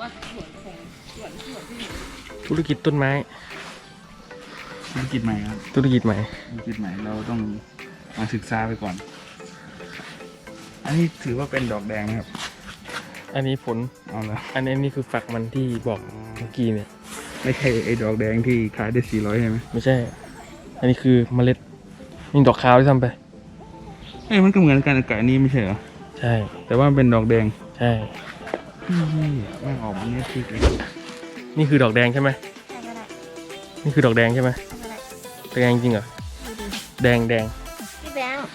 ว่าสวนของสวนที่อยู่ธุรกิจต้นไม้ธุรกิจใหม่ครับธุรกิจใหม่ธุรกิจใหม่เราต้องมาศึกษาไปก่อน อันนี้ถือว่าเป็นดอกแดงนะครับอันนี้ผลเอาละอันนี้คือฝักมันที่บอกเมื่อกี้เนี่ยไม่ใช่ไอ้ดอกแดงที่ขายได้400ใช่ไหมไม่ใช่ อันนี้คือเมล็ดนี่ดอกขาวที่ทำไปเอ้ยมันก็เหมือนกันกับอันนี้ไม่ใช่เหรอใช่แต่ว่ามันเป็นดอกแดงใช่นี่แม่งออกมาเนี่ยคือนี่คือดอกแดงใช่ไหมใช่ก็ได้นี่คือดอกแดงใช่ไหมใช่ก็ได้แดงจริงเหรอดูดิแดงพี่แบงค์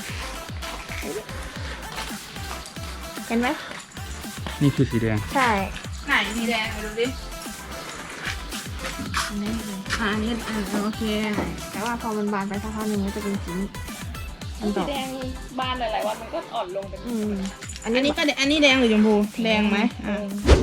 เห็นไหมนี่คือสีแดงใช่ไหนสีแดงไปดูดิอันนี้โอเคแต่ว่าพอมันบานไปสักพักหนึ่งมันจะเป็นสีมันดสีอกแดงบานหลายๆวันมันก็อ่อนลงเป็นอันนี้อันนี้แดงหรือชมพูแดงไหมอ่ะ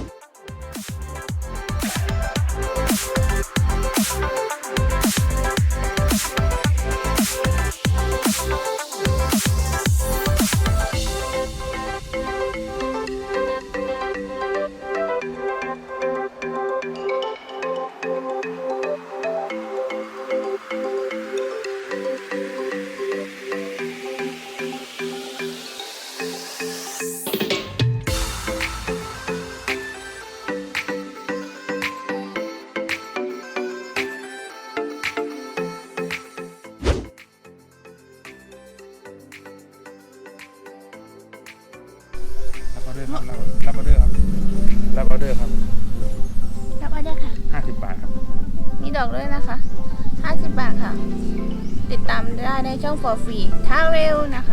รับออเดอร์ครับรับออเดอร์ครับรับออเดอร์ครับรับออเดอร์ค่ะ 50 บาทครับมีดอกด้วยนะคะ50 บาทค่ะ ติดตามได้ในช่อง for free travel นะคะ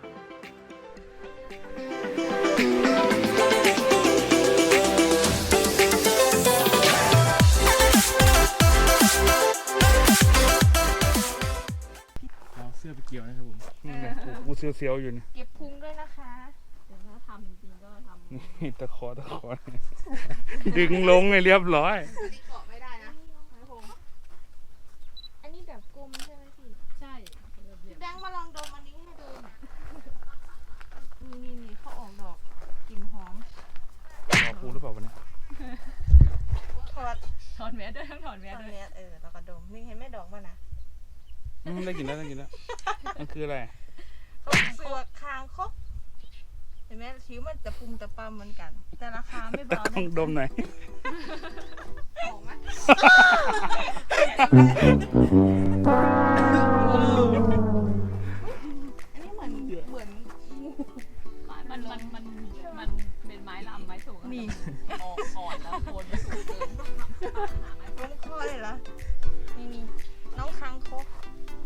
เราเสื้อไปเกี่ยวนะครับผมนี่ไงกูเสียวๆอยู่นี่เก็บพุงด้วยนะคะเดี๋ยวถ้าทำจริงๆก็ทำนี่ตะขอดึงลงให้เรียบร้อยที่เกาะไม่ได้นะไม่คงอันนี้แบบกลมใช่ไหมพี่ใช่พี่แบงค์มาลองดมอันนี้ให้ดูหน่อยนี่เขาออกดอกกลิ่นหอมรอกูหรือเปล่าวันนี้ถอดถอนแมสด้วยทั้งถอนแมตสอนด้วยเนี้ยเราก็ดมนี่เห็นไหมดอกมันนะได้กินแล้วได้กินแล้วมันคืออะไรเขาเสือกคางคกเห็นไหมชิวมันจะปุ่มตะปั๊มเหมือนกัน แต่ราคาไม่เบาต้องนะดมหน่อยหอมไหมอันนี้เหมือนงูมันเป็นไม้ลำไม้สูงนี่อ่อนแล้วโคนไม่สูงเกินหาไม้ล้มคอเลยเหรอนี่น้องคางคก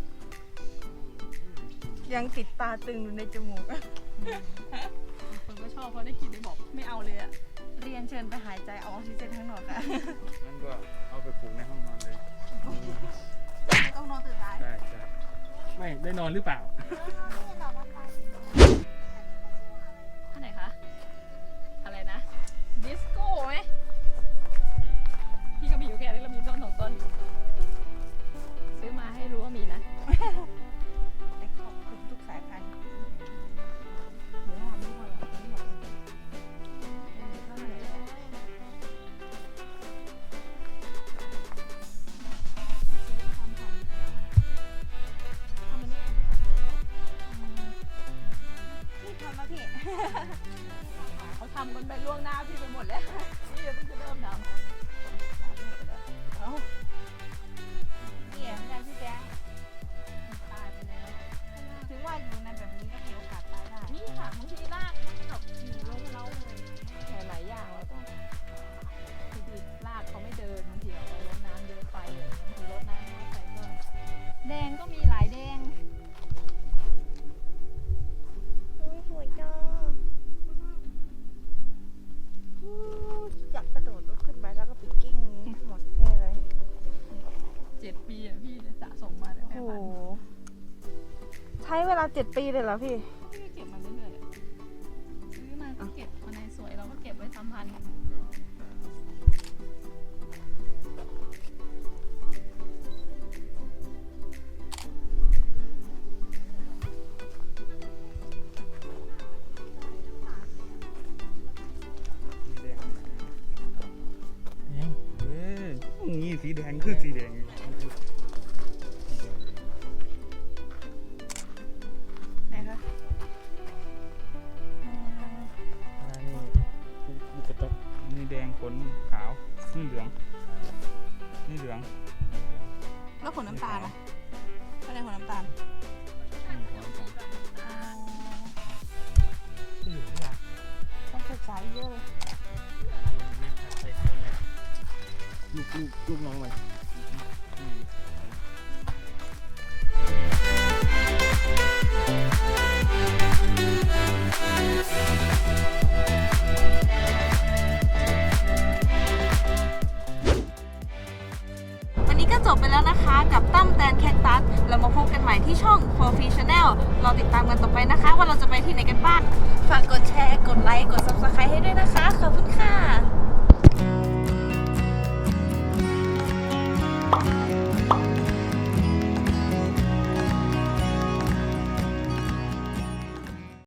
ยังติดตาตึงอยู่ในจมูกคนก็ชอบเพราะได้กลิ่นได้บอกไม่เอาเลยอะเรียนเชิญไปหายใจเอาออกซิเจนข้างนอกค่ะงั้นก็เอาไปปลูกในห้องนอนเลยไม่ต้องนอนตื่นสายได้ไม่ได้นอนหรือเปล่าอันไหนคะ อะไรนะ ดิสโก้ไหมพี่ก็มีอยู่แค่นี้เรามีต้น2 ต้น ซื้อมาให้รู้ว่ามีนะแต่ขอบคุณทุกสายพันธุ์เดี๋ยวทำไม่พอหรอกไม่หมดเท่าไหร่แล้วพี่ทำมาพี่เขาทำกันไปล่วงหน้าพี่ไปหมดแล้ว นี่เดี๋ยวเพิ่งจะเริ่มทำเอาเนี่ยงานพี่แจ๊คตายไปแล้วถึงว่าอยู่ในแบบนี้ก็มีโอกาสตายได้นี่ค่ะบางทีรากแบบอยู่ลงเราเลยหลายๆอย่างเราต้องบางทีรากเขาไม่เดินบางทีเรารดน้ำเยอะไปบางทีรดน้ำน้อยไปก็แดงก็มีหลายแดงสวยจังอยากกระโดดลุกขึ้นไปแล้วก็ไปกิ้งหมดแน่เลย 7 ปีอ่ะพี่สะสมมาเนี่ยโอ้แม่โหพันธุ์ใช้เวลา7 ปีเลยเหรอพี่พี่ก็เก็บมาเรื่อยๆอะซื้อมาก็เก็บมาในสวยเราก็เก็บไว้ทำพันธุ์คือสีแดงอยู่ไหนคะลูกกระจกนี่แดงขนขาวนี่เหลืองนี่เหลืองแล้วขนน้ำตาลอ่ะอะไรขนน้ำตาลที่อยู่ที่ร้านต้องศึกษาเยอะเลยแม่ค้าใส่ลูกน้องมันวันนี้ก็จบไปแล้วนะคะกับตั้มแตนแคคตัสเรามาพบกันใหม่ที่ช่อง For Free Channel เราติดตามกันต่อไปนะคะ ว่าเราจะไปที่ไหนกันบ้าง ฝากกดแชร์กด